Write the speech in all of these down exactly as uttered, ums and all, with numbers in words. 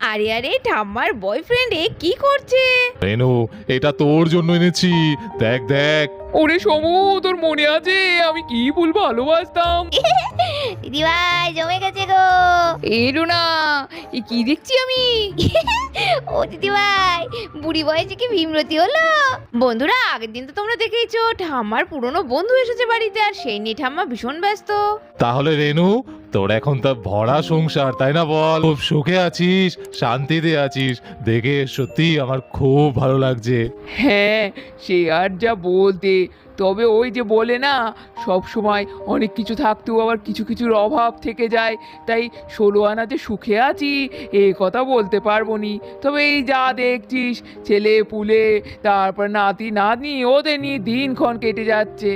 আরে আরে ঠাম্মার বয়ফ্রেন্ড এ কি করছে? রেনু, এটা তোর জন্য এনেছি, দেখ দেখ। ওরে সমু, তোর মনে আছে আমি কি ফুল ভালোবাসতাম? দিদি ভাই জমে গেছে গো। এলো না, এ কি দেখছি আমি? ও দিদি ভাই, বুড়ি বয়সে কি ভীমরতি হলো? বন্ধুরা, আগের দিন তো তোমরা দেখেইছো ঠাম্মার পুরনো বন্ধু এসেছে বাড়িতে, আর সেই নিয়ে ঠাম্মা ভীষণ ব্যস্ত। তাহলে রেনু, তোর এখন তো ভরা সংসার, তাই না বল? খুব সুখে আছিস, শান্তিতে আছিস, দেখে সত্যি আমার খুব ভালো লাগছে। হ্যাঁ, সে আর যা বলতে, তবে ওই যে বলে না, সব সময় অনেক কিছু থাকতেও আবার কিছু কিছুর অভাব থেকে যায়, তাই ষোলো আনা যে সুখে আছি এ কথা বলতে পারবো নি। তবে এই যা দেখছিস, ছেলে পুলে, তারপর নাতি নাতনি, ওদের নিয়ে দিনক্ষণ কেটে যাচ্ছে।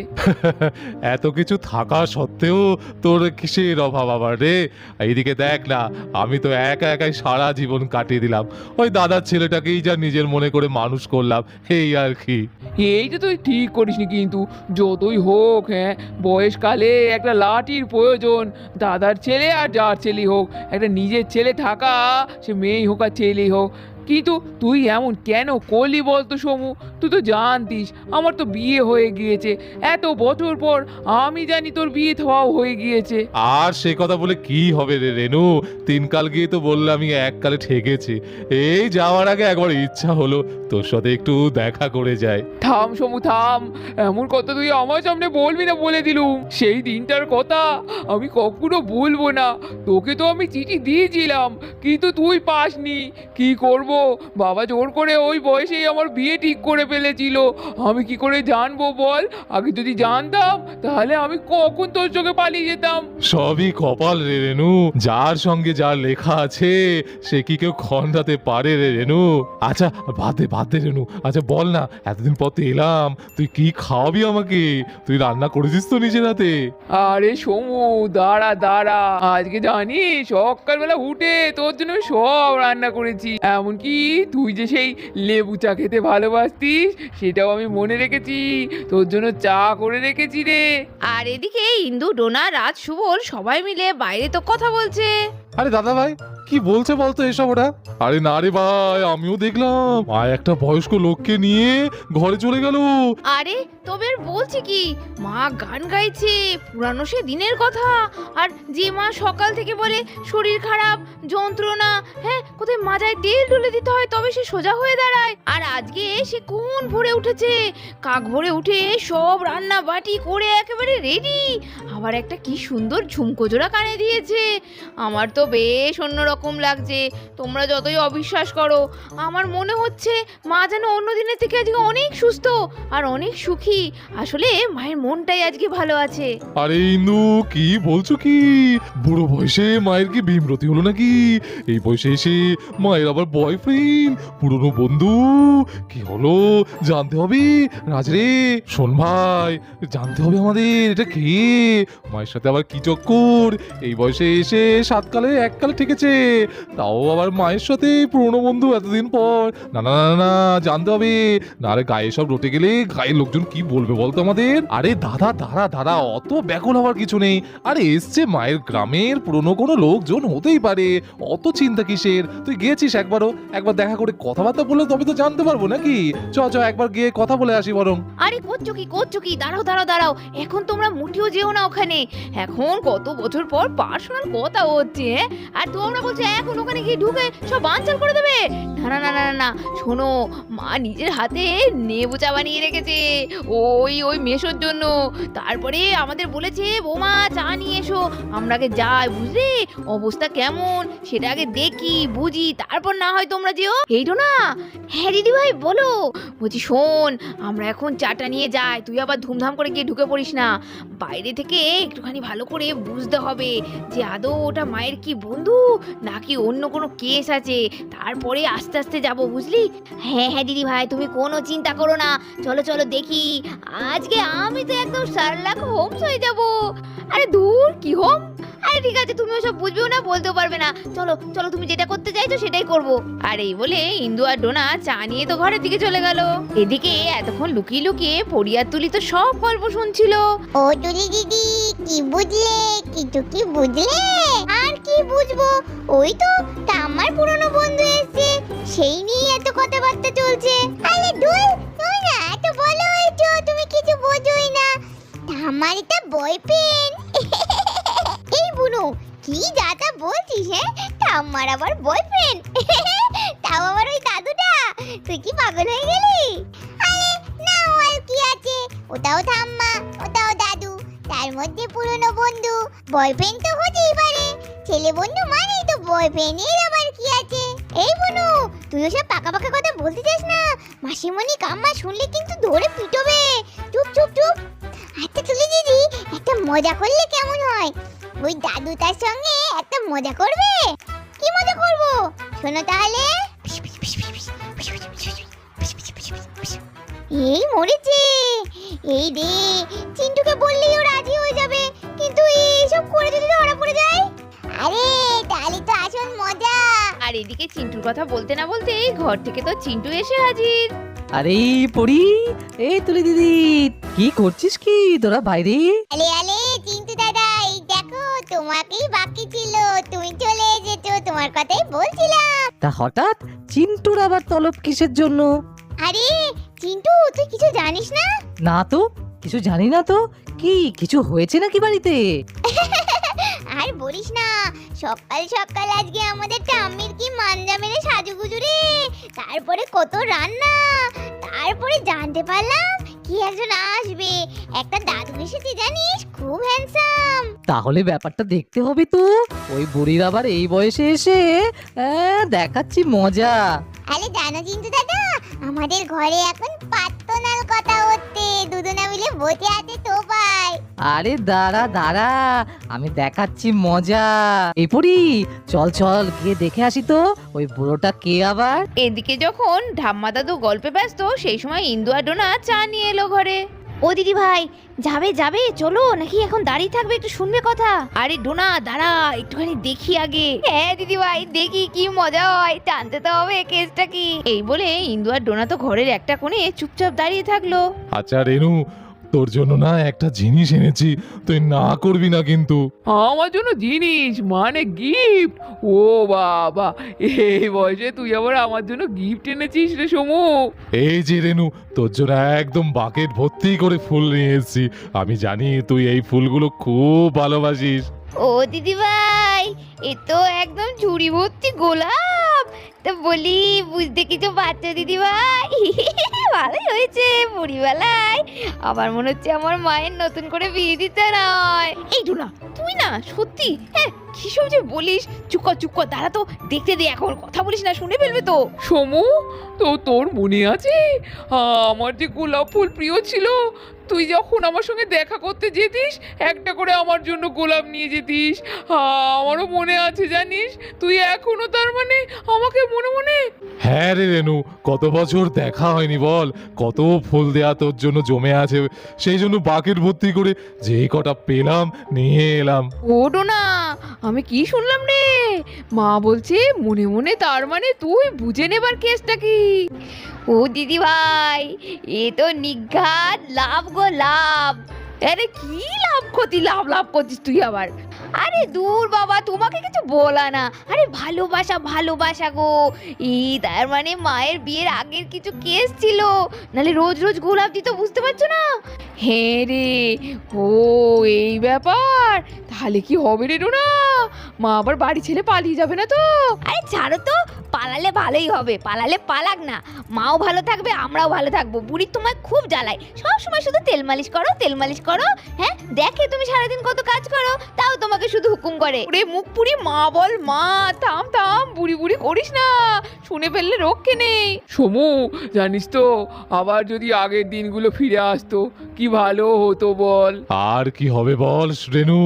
এত কিছু থাকা সত্ত্বেও তোর কিসের অভাব আবার রে? এইদিকে দেখ না, আমি তো একা একাই সারা জীবন কাটিয়ে দিলাম, ওই দাদার ছেলেটাকেই যা নিজের মনে করে মানুষ করলাম, এই আর কি। এইটা তুই ঠিক করিসনি, কিন্তু যতই হোক, হ্যাঁ, বয়সকালে একটা লাঠির প্রয়োজন। দাদার ছেলে আর যার ছেলেই হোক, একটা নিজের ছেলে থাকা, সে মেয়েই হোক আর ছেলেই হোক। কিন্তু তুই এমন কেন করলি বলতো সমু? তুই তো জানতিস আমার তো বিয়ে হয়ে গিয়েছে, এত বছর পর আমি জানি তোর বিয়ে হওয়াও হয়ে গিয়েছে। আর সে কথা বলে কি হবে রে রেনু? তিন কাল গিয়ে তো বললাম আমি এককালে ঠেকেছি, এই যাওয়ার আগে একবার ইচ্ছা হলো তোর সাথে একটু দেখা করে যায়। থাম সমু থাম, এমন কথা তুই আমার সামনে বলবি না বলে দিলুম। সেই দিনটার কথা আমি কখনো ভুলবো না। তোকে তো আমি চিঠি দিয়েছিলাম, কিন্তু তুই পাসনি। কি করব, বাবা জোর করে ওই বয়সেই আমার বিয়ে ঠিক করে ফেলেছিল। আমি কি করে জানবো বল? আগে যদি জানতাম তাহলে আমি কখন তোর চোখে পালিয়ে যেতাম। সবই কপাল রে রেনু, যার সঙ্গে যার লেখা আছে সে কি কেউ খণ্ডাতে পারে রে রেনু? আচ্ছা বাদ দে বাদ দে রেনু, আচ্ছা বল না, এতদিন পর তো এলাম, তুই কি খাওয়াবি আমাকে? তুই রান্না করেছিস তো নিজের হাতে? আরে সমু, দাঁড়া দাঁড়া, আজকে জানিস সকালবেলা উঠে তোর জন্য আমি সব রান্না করেছি। এমনকি তুই যে সেই লেবু চা খেতে ভালোবাসতিস সেটাও আমি মনে রেখেছি, তোর জন্য চা করে রেখেছি রে। আর এদিকে ইন্দু, ডোনা, রাজ, সুবল সবাই মিলে বাইরে তো কথা বলছে। আরে দাদা ভাই, কি বলছে বলতো এসব ওরা? আরে না রে ভাই, আমিও দেখলাম মা একটা বয়স্ক লোককে নিয়ে ঘরে চলে গেল। আরে তবে আর বলছি কি, মা গান গাইছে পুরানো সে দিনের কথা। আর যে মা সকাল থেকে বলে শরীর খারাপ, যন্ত্রণা, হ্যাঁ কোথায় মাজায় তেল ঢেলে দিতে হয় তবে সে সোজা হয়ে দাঁড়ায়, আর আজকে সে কোন ভোরে উঠেছে, কাক ভোরে উঠে সব রান্না বাটি করে একেবারে রেডি। আবার একটা কি সুন্দর ঝুমকো জোড়া কানে দিয়েছে। আমার তো বেশ অন্যরকম লাগছে। তোমরা যতই অবিশ্বাস করো, আমার মনে হচ্ছে মা যেন অন্য দিনের থেকে আজকে অনেক সুস্থ আর অনেক সুখী। আসলে মায়ের মনটাই আজকে ভালো আছে। আরে ইন্দু, কি বলছো কি? বুড়ো বয়সে মায়ের কি ভীমরতি হলো নাকি? এই বয়সে এসে মায়ের আবার বয়ফ্রেন্ড, পুরনো বন্ধু, কি হলো জানতে হবে। রাজরে শোন ভাই, জানতে হবে আমাদের, এটা কে? মায়ের সাথে আবার কি চক্কর? এই বয়সে এসে সাতকালে এককালে ঠেকেছে, তাও আবার মায়ের সাথে পুরনো বন্ধু এতদিন পর। না না না না, জানতে হবে, না রে গায়ে সব রটে গেলে গায়ের লোকজন কি বলবে বলতো আমাদের? আরে দাদা দাঁড়া দাঁড়া, অত ব্যাকুল হওয়ার কিছু নেই। আরে এসছে মায়ের গ্রামের পুরনো কোনো লোকজন, হতেই পারে, অত চিন্তা কিসের? তুই গিয়েছিস একবারও? একবার দেখা করে কথাবার্তা বললে তবে তো জানতে পারবো নাকি? চ চ একবার গিয়ে কথা বলে আসি বরং। আরে করছো কি করছো কি, দাঁড়াও দাঁড়াও দাঁড়াও, এখন তোমরা মুঠিও যেও না ওখানে। এখন কত বছর পর পার্সোনাল কথা হচ্ছে, হ্যাঁ? আর তোমরা বলছো এখন ওখানে গিয়ে ঢুকে সব বানচাল করে দেবে। না না না না না, শোনো, মা নিজের হাতে নেবু চা বানিয়ে রেখেছে ওই ওই মেশোর জন্য। তারপরে আমাদের বলেছে বৌমা চা নিয়ে এসো, আমরা আগে যাই, বুঝলে অবস্থা কেমন সেটা আগে দেখি বুঝি, তারপর না হয় তোমরা যেও। এইটো না, হ্যাঁ দিদি ভাই বলো। বলছি শোন, আমরা এখন চাটা নিয়ে যাই, তুই আবার ধুমধাম করে গিয়ে ঢুকে পড়িস না। বাইরে থেকে একটুখানি ভালো করে বুঝতে হবে যে আদৌ ওটা মায়ের কি বন্ধু নাকি অন্য কোনো কেস আছে, তারপরে আস্তে আস্তে যাব, বুঝলি? হ্যাঁ হ্যাঁ দিদি ভাই, তুমি কোনো চিন্তা করো না, চলো চলো দেখি। আজকে আমি তো একদম শার্লক হোমস হয়ে যাব। আরে দূর, কি হোম? আরে ঠিক আছে, তুমি ওসব বুঝবেও না, বলতেও পারবে না, চলো চলো, তুমি যেটা করতে চাইছো সেটাই করবো। আর এই বলে ইন্দু আর ডোনা চা নিয়ে তো ঘরের দিকে চলে গেল। এদিকে এতক্ষণ লুকিয়ে লুকিয়ে পরিয়ার তুলি তো সব গল্প শুনছিল। ও তুলি দিদি, কি বুঝলে? কিছু কি বুঝলে? আর কি বুঝবো, ওই তো ঠাম্মার পুরনো বন্ধু চলছে। আরে দূর, তুমি না এত বলো হয়েছো, তুমি কিছু বোঝোই না। আমার এটা বয়ফ্রেন্ড। এই বুনু, কি যা তা বলছিস? হ্যাঁ, ঠাম্মার আবার বয়ফ্রেন্ড, তাও আবার ওই দাদুটা। তুই কি পাগল হয়ে গেলি? আরে না, ও আর কি আছে, ওটাও ঠাম্মা, ওটাও দাদু, তার মধ্যে পুরনো বন্ধু। বয়ফ্রেন্ড তো হতেই পারে, ছেলে বন্ধু মানেই তো বয়ফ্রেন্ড, এর আবার কি আছে? এই বুনু, তুই ওসব পাকা পাকা কথা বলতে চাস না, মাসিমণি কাম্মা শুনলে কিন্তু ধরে পিটবে। চুপ চুপ চুপ। আচ্ছা তুলি দিদি, একটা মজা করলে কেমন হয়? ওই দাদু তার সঙ্গে একটা মজা করবে। কি মজা করব? শোনো তাহলে। এই মরেছে। এই রে, চিন্টুকে বললেই ও রাজি হয়ে যাবে, কিন্তু এইসব করে যদি ধরা পড়ে যায়, আরে তাহলে তো আসল মজা। আর এদিকে চিন্টুর কথা বলতে না বলতে এই ঘর থেকে তো চিন্টু এসে হাজির। আরে পড়ি, এই তুলি দিদি, কি করছিস কি তোরা বাইরে? আলে আলে চিন্টু দাদা, এই দেখো তোমাকেই বাকি ছিল, তুমি চলে এসেছো, তোমার কথাই বলছিলাম। তা হঠাৎ চিন্টুর আবার তলব কিসের জন্য? আরে চিন্টু, তুই কিছু জানিস না? না তো, কিছু জানি না তো। কি কিছু হয়েছে নাকি বাড়িতে? আর বলিস না, সকাল সকাল আজকে আমাদের টাম্মির কি মাঞ্জা মেরে সাজুগুজু রে, তারপরে কত রান্না, তারপরে জানতে পারলাম কি একজন আসবে, একটা দাদু এসেছে জানিস, খুব হ্যান্ডসাম। তাহলে ব্যাপারটা দেখতে হবে তো। ওই বুড়ির আবার এই বয়সে এসে আহ, দেখাচ্ছি মজা। আরে জানো চিন্টু দাদা, আমাদের ঘরে এখন পাত্তনাল কথা হচ্ছে, দুজনা মিলে বসে আছে তো ভাই। আরে দাঁড়া দাঁড়া, আমি দেখাচ্ছি মজা। এই পড়ি, চল চল গিয়ে দেখে আসি তো ওই বুড়োটা কে আবার। এদিকে যখন ঠাম্মা দাদু গল্পে ব্যস্ত, সেই সময় ইন্দু আর ডোনা চা নিয়ে এলো ঘরে। ও দিদি ভাই, যাবে যাবে চলো, নাকি এখন দাঁড়িয়ে থাকবে, একটু শুনবে কথা? আরে ডোনা দাঁড়া, একটুখানি দেখি আগে। হ্যাঁ দিদি ভাই, দেখি কি মজা হয়, টানতে তো হবে কেসটা কি। এই বলে ইন্দু আর ডোনা তো ঘরের একটা কোণে চুপচাপ দাঁড়িয়ে থাকলো। আচ্ছা রেনু, তোর জন্য না একটা জিনিস এনেছি, তুই না করবি না কিন্তু। আমার জন্য জিনিস মানে গিফট? ও বাবা, এই বয়সে তুই আবার আমার জন্য গিফট এনেছিস রে সমু? এই যে রেনু, তোর জন্য একদম বাকেট ভর্তি করে ফুল নিয়ে এসেছি। আমি জানি তুই এই ফুলগুলো খুব ভালোবাসিস। ও দিদি ভাই, এ তো একদম ঝুড়ি ভর্তি গোলাপ। তা বলি, বুঝতে কিছু পারছো দিদি ভাই? ভালোই হয়েছে বুড়িবেলায়, আমার মনে হচ্ছে আমার মায়ের নতুন করে বিয়ে দিতে নয়। এই ডোনা, তুই না সত্যি, হ্যাঁ কি সব যে বলিস। চুপ কর চুপ কর, দাঁড়া তো দেখতে দে, এখন কথা বলিস না, শুনে ফেলবে তো। সমু, তো তোর মনে আছে আমার যে গোলাপ ফুল প্রিয় ছিল? তুই যখন আমার সঙ্গে দেখা করতে যেতিস, একটা করে আমার জন্য গোলাপ নিয়ে যেতিস। আমারও মনে আছে জানিস, তুই এখনো তার মানে আমাকে মনে মনে। হ্যাঁ রে রেনু, কত বছর দেখা হয়নি বল, কত ফুল দেয়া তোর জন্য জমে আছে, সেই জন্য বাকেট ভর্তি করে যেই কটা পেলাম নিয়ে এলাম। ও ডোনা, আমি কি শুনলাম রে? মা বলছে মনে মনে, তার মানে তুই বুঝে নেবার কেসটা কি? ও দিদি ভাই, এ তো নিঘাত লাভ গো লাভ। আরে কি লাভ ক্ষতি, লাভ লাভ করছিস তুই আবার? আরে দূর বাবা, তোমাকে কিছু বলা না। আরে ভালোবাসা ভালোবাসা গো। এই তার মানে মায়ের বিয়ের আগের কিছু কেস ছিল, নালে রোজ রোজ গোলাপ দিত, বুঝতে পারছো না? হ্যাঁ রে, ও এই ব্যাপার। তাহলে কি হবে রে ডোনা? মা আবার বাড়ি ছেড়ে পালিয়ে যাবে না তো? আরে ছাড়ো তো, পালালে ভালোই হবে, পালালে পালাক না, মাও ভালো থাকবে, আমরাও ভালো থাকবো। বুড়ি তোমায় খুব জ্বালায়, সব সময় শুধু তেল মালিশ করো তেল মালিশ করো। হ্যাঁ দেখে তুমি সারাদিন কত কাজ করো, তাও তোমাকে শুধু হুকুম করে। ওরে মুখ পুরি মা বল, মা থাম থাম, বুড়ি বুড়ি করিস না, শুনে ফেললে রক্ষে নেই। সমু, জানিস তো, আবার যদি আগের দিনগুলো ফিরে আসতো কি ভালো হতো বল। আর কি হবে বল রেনু,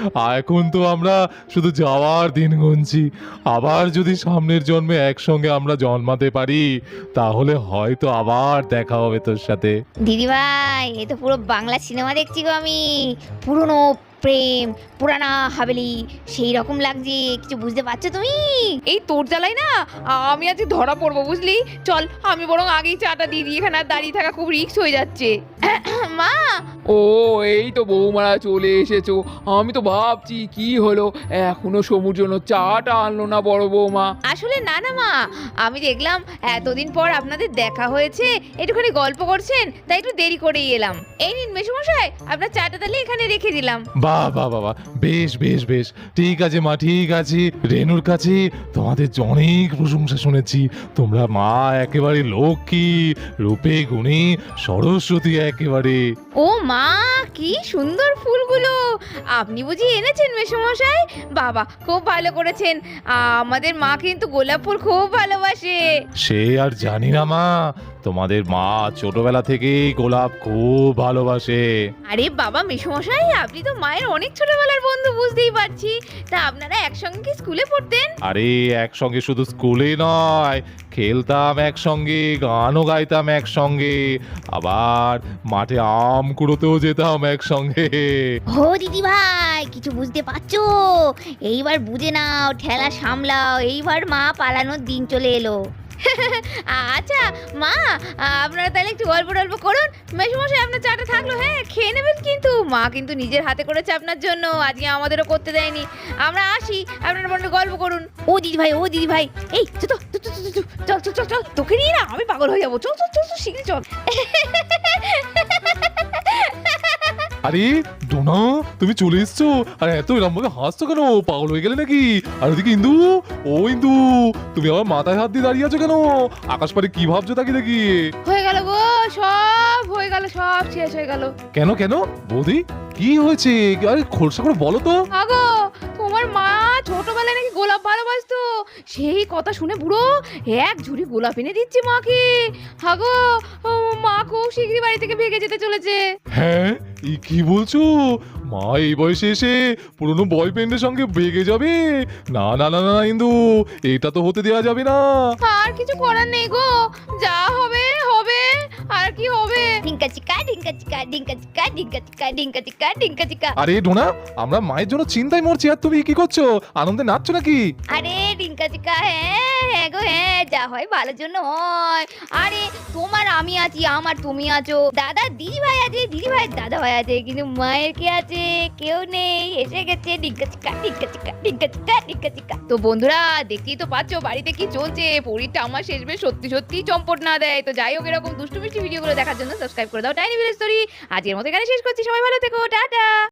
এখন তো আমরা শুধু যাওয়ার দিন গুনছি। আবার যদি সামনের জন্মে একসঙ্গে আমরা জন্মাতে পারি, তাহলে হয়তো আবার দেখা হবে তোর সাথে। দিদি ভাই, এ তো পুরো বাংলা সিনেমা দেখছি গো আমি, পুরনো প্রেম পুরানা হাভেলি সেই রকম লাগছে, কিছু বুঝতে পারছো তুমি? এই তোর জ্বালাই না আমি আজকে ধরা পড়বো বুঝলি। চল আমি বরং আগেই চাটা দিয়ে দিই, এখানে আর দাঁড়িয়ে থাকা খুব রিস্ক হয়ে যাচ্ছে। মা ও এই তো বৌমারা চলে এসেছো। আমি তো ভাবছি কি হলো এখনো সমুর জন্য চাটা আনলো না বড় বৌমা। আসলে না না মা, আমি দেখলাম এতদিন পর আপনাদের দেখা হয়েছে, একটুখানি গল্প করছেন, তাই একটু দেরি করেই এলাম। এই নিন মেসোমশাই, আপনার চাটা তাহলে এখানে রেখে দিলাম। বাহ বাহ বাহ বাহ, বেশ বেশ বেশ, ঠিক আছে মা, ঠিক আছে। রেনুর কাছে তোমাদের অনেক প্রশংসা শুনেছি। তোমরা মা একেবারে লক্ষ্মী, রূপে গুণে সরস্বতী একেবারে। ও মা কি সুন্দর ফুলগুলো, আপনি বুঝি এনেছেন মেসোমশাই? বাবা খুব ভালো করেছেন, আমাদের মা কিন্তু গোলাপ ফুল খুব ভালোবাসে। সে আর জানি না মা, তোমাদের মা ছোটবেলা থেকেই গোলাপ খুব ভালোবাসে। আরে বাবা মেসোমশাই, আপনি তো মায়ের অনেক ছোটবেলার বন্ধু, বুঝতেই পারছি। তা আপনারা একসঙ্গে কি স্কুলে পড়তেন? আরে একসঙ্গে শুধু স্কুলে নয়, খেলতাম একসঙ্গে, গানও গাইতাম একসঙ্গে, আবার মাঠে আম কুড়োতেও যেতাম একসঙ্গে। ও দিদি ভাই, কিছু বুঝতে পারছো? এইবার বুঝে নাও, ঠেলা সামলাও, এইবার মা পালানোর দিন চলে এলো। আচ্ছা মা, আপনারা তাহলে একটু গল্প টল্প করুন। মেসোমশাই আপনার চাটা থাকলো, হ্যাঁ খেয়ে নেবেন কিন্তু। মা কিন্তু নিজের হাতে করেছে আপনার জন্য, আজকে আমাদেরও করতে দেয়নি। আমরা আসি, আপনারা বলতে গল্প করুন। ও দিদি ভাই, ও দিদি ভাই, এই চল তো, চল চল চল চল চল চল চল, তোকে নিয়ে না আমি পাগল হয়ে যাবো। চল চল চল চল, শীঘ্রই চল। আরে ডোনা, তুমি চলে এসছো, আর এত এরম ভাবে হাসছো কেন? পাগল হয়ে গেলে নাকি? আর ওদিকে ইন্দু, ও ইন্দু, তুমি আমার মাথায় হাত দিয়ে দাঁড়িয়ে আছো কেন? আকাশ পারে কি ভাবছো তাকে দেখি? হয়ে গেল গো, সব হয়ে গেল, সব শেষ হয়ে গেল। কেন কেন বৌদি, কি হয়েছে? আরে খোলসা করে বলো তো। আগো তোমার মা ছোটবেলায় নাকি গোলাপ ভালোবাসতো, সেই কথা শুনে বুড়ো এক ঝুড়ি গোলাপ এনে দিচ্ছে মাকে। হাগো মা খুব শীঘ্রই বাড়ি থেকে ভেগে যেতে চলেছে। হ্যাঁ, এই কি বলছো? মা এই বয়সে এসে পুরনো বয়ফ্রেন্ডের সঙ্গে বেগে যাবে? না না না না ইন্দু, এটা তো হতে দেওয়া যাবে না। আর কিছু করার নেই গো, যা হবে হবে, আর কি হবে। ডিঙ্কা চিকা ডিঙ্কা চিকা ডিঙ্কা চিকা ডিঙ্কা চিকা ডিঙ্কা চিকা ডিঙ্কা চিকা। আরে ডোনা, আমরা মায়ের জন্য চিন্তায় মরছি, আর তুমি কি করছো? আনন্দে নাচছো নাকি? আরে ডিঙ্কা চিকা, হ্যাঁ হ্যাঁ গো হ্যাঁ, যা হয় ভালোর জন্য হয়। আরে তোমার আমি আছি, আমার তুমি আছো, দাদা দিদি ভাই আছে, দিদি ভাই দাদা ভাই আছে, কিন্তু মায়ের কে আছে? কেউ নেই, এসে গেছে ডিঙ্কা চিকা ডিঙ্কা চিকা ডিঙ্কা চিকা ডিঙ্কা চিকা। তো বন্ধুরা দেখতেই তো পাচ্ছ বাড়িতে কি চলছে। পরীরটা আমার শেষ বেশ সত্যি সত্যি চম্পট না দেয়। তো যাই হোক, এরকম দুষ্টু মিষ্টি ভিডিওগুলো দেখার জন্য সাবস্ক্রাইব করে দাও টাইনি ভিলেজ স্টোরি। আজকের মতো এখানে শেষ করছি, সবাই ভালো থেকো, টাটা।